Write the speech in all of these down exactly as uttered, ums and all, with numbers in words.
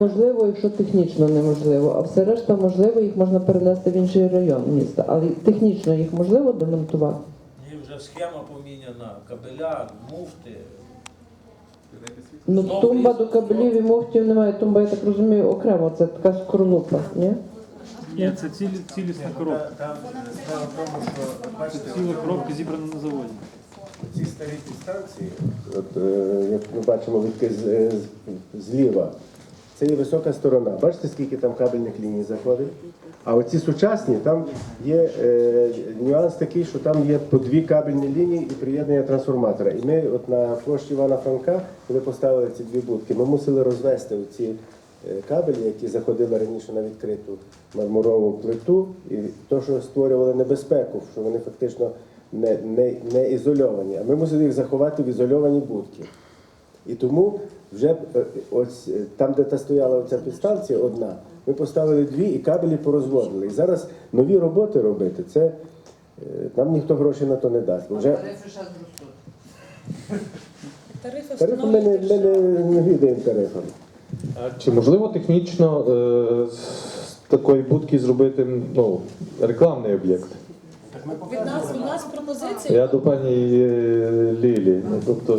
Можливо, якщо технічно неможливо, а все решта можливо, їх можна перенести в інший район міста, але технічно їх можливо демонтувати. І вже схема поміняна, кабеля, муфти. Ну, тумба до кабелів і муфтів немає, тумба, я так розумію, окремо, це така скорлупа, ні? Ні, це цілі, цілісна коробка. Там справа в тому, що бачите, Ціла коробка зібрана на заводі. ці старі підстанції, От, е, як ми бачимо відки з, е, з- зліва, це є висока сторона. Бачите, скільки там кабельних ліній заходить? А оці сучасні, там є е, нюанс такий, що там є по дві кабельні лінії і приєднання трансформатора. І ми от на площі Івана Франка, коли поставили ці дві будки, ми мусили розвести ці кабелі, які заходили раніше на відкриту мармурову плиту, і то, що створювали небезпеку, що вони фактично не, не, не ізольовані, а ми мусили їх заховати в ізольовані будки. І тому вже е, ось е, там, де та стояла оця підстанція одна, ми поставили дві і кабелі порозводили. І зараз нові роботи робити, це е, нам ніхто гроші на то не дасть. Бо вже Тарифи ще зростуть. Тарифи тарифи ми не, ми не, не відаємо тарифами. Чи можливо технічно е, з такої будки зробити ну, рекламний об'єкт? Від нас, у нас пропозиція. Я до пані е, Лілі. Ну, тобто,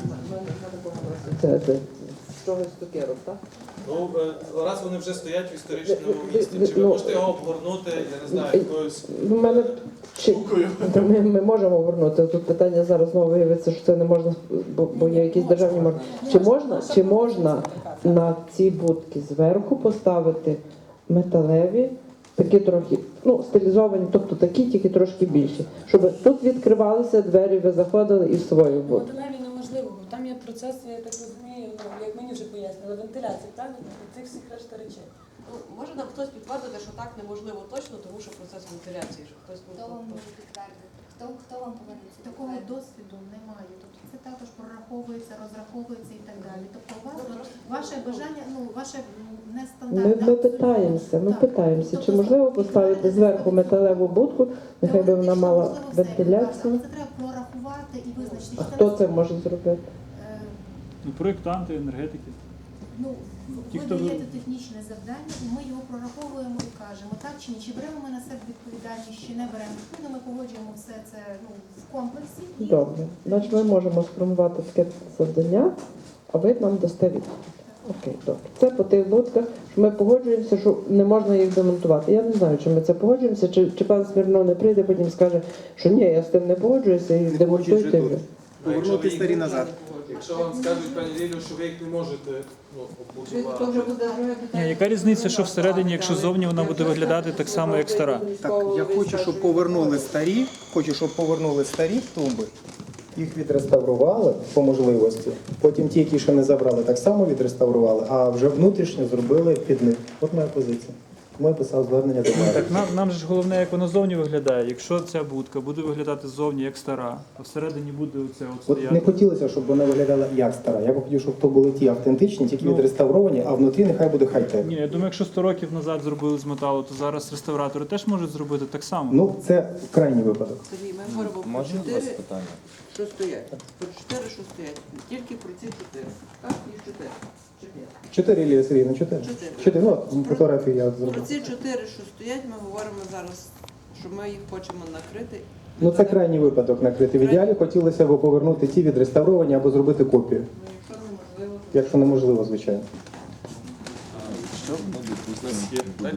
Це, це з чогось цукерок, так? Ну, е, раз вони вже стоять в історичному місті, чи ви Ну, можете його обгорнути, я не знаю, якоюсь У мене чи, штукою? ми, ми можемо вернути. Тут питання зараз знову виявиться, що це не можна, бо, бо є якісь державні можна. Чи можна, чи можна на ці будки зверху поставити металеві, такі трохи, ну, стилізовані, тобто такі, тільки трошки більші, щоб тут відкривалися двері, ви заходили і в свою будку. Моделеві неможливо, бо там є процес, я так розумію, ну, як мені вже пояснили, вентиляції, правильно? І цих всіх решта речей. Ну, може нам хтось підтвердити, що так неможливо точно, тому що процес вентиляції, що хтось Хто вам може підтвердити? Хто, хто вам повинен це Такого підтвердити? досвіду немає. Тобто це також прораховується, розраховується і так далі. Тобто у вас от ваше бажання, ну ваше м, Ми, нестандартне. ми абсолютно. питаємося, ми Так. питаємося, чи Тобто, можливо поставити зверху металеву будку, нехай би вона теоретично мала можливо все, але вентиляцію. це треба прорахувати і визначити. А чи хто це це може зробити? Е, Ну, проєктанти, енергетики. Ну, Ті, ви хто ви- даєте технічне завдання, і ми його прораховуємо і кажемо, так чи ні, чи беремо ми на себе відповідальність, чи не беремо. Ну, ми погоджуємо все це ну, в комплексі. І Добре, значить ми можемо сформувати таке завдання, а ви нам дасте відповідь. Окей, добре. Це по тих будках, що ми погоджуємося, що не можна їх демонтувати. Я не знаю, чи ми це погоджуємося, чи, чи пан Смірнов не прийде, потім скаже, що ні, я з тим не погоджуюся і демонтуйте вже. Повернути старі назад. Якщо вам скажуть, пані Лілю, що ви їх не можете ну, Чи то вже обмутувати. буде друге питання? Ні, яка різниця, що всередині, якщо зовні вона буде виглядати так само, як стара? Так, я хочу, щоб повернули старі, хочу, щоб повернули старі тумби, їх відреставрували по можливості. Потім ті, які ще не забрали, так само відреставрували, а вже внутрішньо зробили під них. От моя позиція. Тому я писав звернення до мене. Так нам, нам же ж головне, як воно зовні виглядає. Якщо ця будка буде виглядати ззовні як стара, а всередині буде оце от От не стояти. хотілося, щоб вона виглядала як стара. Я б хотів, щоб то були ті автентичні, тільки Ну. відреставровані, а внутрі нехай буде хай-тек. Ні, я думаю, якщо сто років назад зробили з металу, то зараз реставратори теж можуть зробити так само. Ну, це крайній випадок. Сергій, ми говоримо про чотири, що стоять. Про чотири, що стоять. Тільки про ці чотири. Так, їх чотири. Чи ні? Чотири, Лілія Сергійовна, чотири. Чотири. Чотири, ну, от, фотографії я Про зробив. ці чотири, що стоять, ми говоримо зараз, що ми їх хочемо накрити. Ну, це крайній випадок накрити. В ідеалі хотілося б повернути ті відреставровані або зробити копію. Ну, якщо неможливо, то Якщо неможливо, звичайно. Що? Ну,